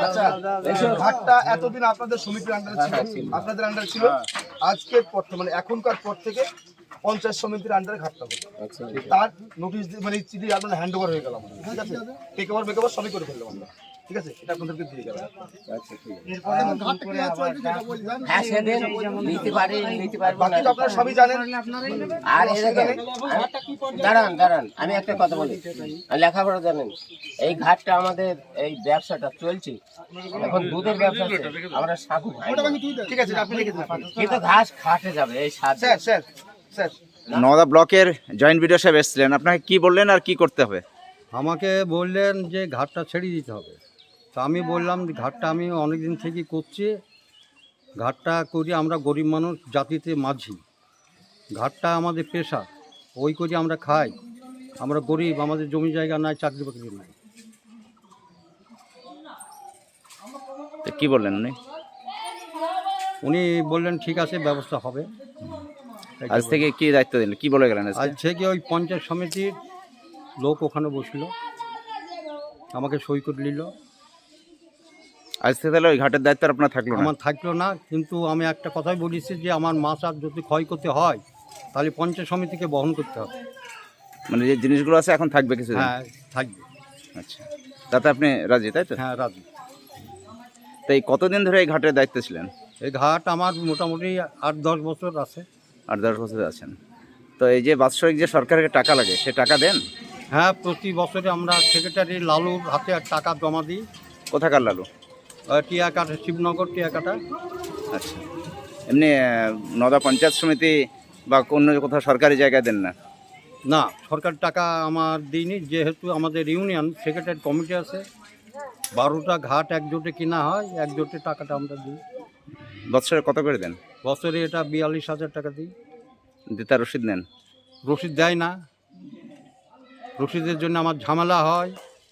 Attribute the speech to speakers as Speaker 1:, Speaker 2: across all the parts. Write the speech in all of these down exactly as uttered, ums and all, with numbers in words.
Speaker 1: আচ্ছা, ঘাটটা এতদিন আপনাদের সমিতির আন্ডারে ছিল, আপনাদের আন্ডারে ছিল। আজকের পর থেকে, মানে এখনকার পর থেকে পঞ্চায়েত সমিতির আন্ডারে ঘাটটা হবে। তার নোটিশ মানে চিঠি আপনার হ্যান্ড ওভার হয়ে গেল আমাদের, ঠিক আছে? টেক ওভার মেক ওভার সবই করে ফেললাম আমরা, ঠিক আছে? এটা আপনাদেরকে দিয়ে গেলাম। বাকি তো আপনারা সবই জানেন।
Speaker 2: আর দাঁড়ান দাঁড়ান আমি একটা কথা বলি, লেখাপড়া জানেন, এই ঘাটটা আমাদের এই ব্যবসাটা চলছে এখন, দুধের ব্যবসা, আমরা সাধু,
Speaker 1: ঠিক আছে, আপনি লিখে দিন।
Speaker 2: কিন্তু ঘাস খাটে যাবে এই সাত।
Speaker 1: স্যার স্যার স্যার
Speaker 3: নওদা ব্লকের জয়েন্ট ভিডিও সাহেব এসেছিলেন, আপনাকে কি বললেন আর কি করতে হবে?
Speaker 4: আমাকে বললেন যে ঘাটটা ছেড়ে দিতে হবে। তা আমি বললাম যে ঘাটটা আমি অনেক দিন থেকে করছি, ঘাটটা করি আমরা গরিব মানুষ জাতিতে মাঝি, ঘাটটা আমাদের পেশা, ওই করি আমরা খাই, আমরা গরিব, আমাদের জমি জায়গা নাই, চাকরি বাকরি নাই।
Speaker 3: তো কি বললেন উনি?
Speaker 4: উনি বললেন ঠিক আছে, ব্যবস্থা হবে।
Speaker 3: আজ থেকে কি দায়িত্ব দিলেন, কি বলে গেলেন?
Speaker 4: আজ থেকে ওই পঞ্চায়েত সমিতির লোক ওখানে বসলো, আমাকে সই করে নিল।
Speaker 3: আজ থেকে তাহলে ওই ঘাটের দায়িত্ব আপনার থাকলো না?
Speaker 4: আমার থাকলো না, কিন্তু আমি একটা কথাই বলেছি যে আমার মাছ আর যদি ক্ষয়ক্ষতি হয় তাহলে পঞ্চায়েত সমিতিকে বহন করতে হবে।
Speaker 3: মানে যে জিনিসগুলো আছে এখন থাকবে কিছু?
Speaker 4: হ্যাঁ থাকবে।
Speaker 3: আচ্ছা, তাতে আপনি রাজি, তাই তো?
Speaker 4: হ্যাঁ রাজি।
Speaker 3: তো এই কতদিন ধরে এই ঘাটের দায়িত্ব ছিলেন?
Speaker 4: এই ঘাট আমার মোটামুটি আট দশ বছর আছে।
Speaker 3: আট দশ বছর আছেন। তো এই যে বাৎসরিক যে সরকারকে টাকা লাগে, সে টাকা দেন?
Speaker 4: হ্যাঁ, প্রতি বছরে আমরা সেক্রেটারি লালুর হাতে টাকা জমা দিই।
Speaker 3: কোথাকার লালু?
Speaker 4: টিয়াকাটা, শিবনগর টিয়াকাটা।
Speaker 3: আচ্ছা, এমনি নওদা পঞ্চায়েত সমিতি বা অন্য কোথাও সরকারি জায়গায় দেন না?
Speaker 4: না, সরকার টাকা আমার দিইনি, যেহেতু আমাদের ইউনিয়ন সেক্রেটারি কমিটি আছে, বারোটা ঘাট একজোটে কিনা হয়, একজোটে টাকাটা আমরা দিই।
Speaker 3: বছরে কত করে দেন?
Speaker 4: বছরে এটা বিয়াল্লিশ হাজার টাকা দিই।
Speaker 3: দিতার রসিদ নেন?
Speaker 4: রসিদ দেয় না, রসিদের জন্য আমার ঝামেলা হয়,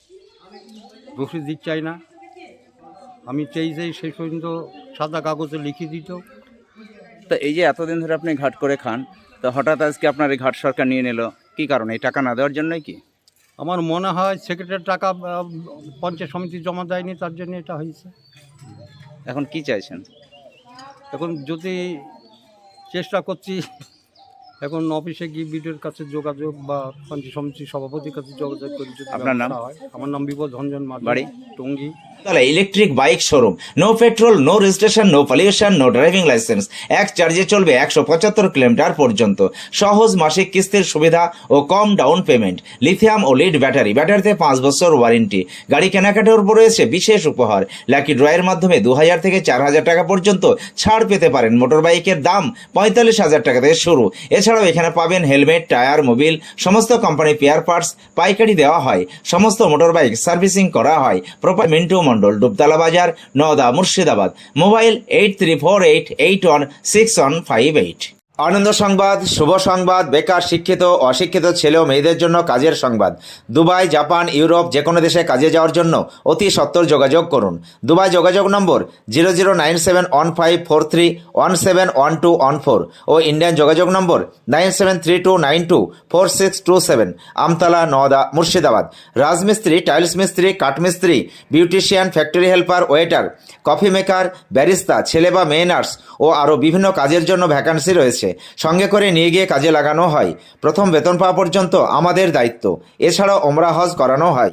Speaker 4: রসিদ দিতে চাই না। আমি চাই যে সেই পর্যন্ত সাদা কাগজে লিখে দিত।
Speaker 3: তো এই যে এতদিন ধরে আপনি ঘাট করে খান, তো হঠাৎ আজকে আপনার এই ঘাট সরকার নিয়ে নিল, কি কারণে? এই টাকা না দেওয়ার জন্যই কি?
Speaker 4: আমার মনে হয় সেক্রেটারি টাকা আহ, পঞ্চায়েত সমিতি জমা দেয়নি, তার জন্য এটা হয়েছে।
Speaker 3: এখন কি চাইছেন?
Speaker 4: এখন যদি চেষ্টা করছি, এখন অফিসে গিয়ে বিডিওর কাছে যোগাযোগ বা পঞ্চায়েত সমিতির সভাপতির কাছে যোগাযোগ করি যদি
Speaker 3: আপনার নাম?
Speaker 4: ব্যবস্থা হয়। আমার নাম বিপদ ধনজন মাঝি,
Speaker 3: বাড়ি?
Speaker 4: টঙ্গী।
Speaker 5: তাহলে electric bike showroom, no petrol, no registration, no pollution, no driving licence, এক চার্জে চলবে একশো পঁচাত্তর কিলোমিটার পর্যন্ত, সহজ মাসিক কিস্তির সুবিধা ও কম ডাউন পেমেন্ট, লিথিয়াম ও লিড ব্যাটারি, ব্যাটারিতে পাঁচ বছর ওয়ারেন্টি, গাড়ি কেনাকাটার উপর রয়েছে বিশেষ উপহার, লাকি ড্রয়ের মাধ্যমে দু হাজার থেকে চার হাজার টাকা পর্যন্ত ছাড় পেতে পারেন। মোটর বাইকের দাম পঁয়তাল্লিশ হাজার টাকা থেকে শুরু। এছাড়াও এখানে পাবেন হেলমেট, টায়ার, মোবিল, সমস্ত কোম্পানি পেয়ার পার্টস পাইকারি দেওয়া হয়, সমস্ত মোটর বাইক সার্ভিসিং করা হয়। প্রপার মিন্টু মন্ডল, ডুবতলা বাজার, Naoda, Murshidabad. Mobile eight three four eight eight one six one five eight. আনন্দ সংবাদ, শুভ সংবাদ, বেকার, শিক্ষিত, অশিক্ষিত ছেলে ও মেয়েদের জন্য কাজের সংবাদ। দুবাই, জাপান, ইউরোপ যে কোনো দেশে কাজে যাওয়ার জন্য অতি সত্বর যোগাযোগ করুন। দুবাই যোগাযোগ number zero zero nine seven one five four three one seven one two one four ও ইন্ডিয়ান যোগাযোগ number nine seven three two nine two four six two seven. Amtala, Naoda, Murshidabad. রাজমিস্ত্রি, টাইলস মিস্ত্রি, কাঠমিস্ত্রি, beautician, factory helper, waiter, coffee maker, barista, ছেলে বা মেয়ে nurse ও আরও বিভিন্ন কাজের জন্য ভ্যাকান্সি রয়েছে। সঙ্গে করে নিয়ে গিয়ে কাজে লাগানো হয়। প্রথম বেতন পাওয়া পর্যন্ত আমাদের দায়িত্ব। এছাড়াও ওমরা হজ করানো হয়।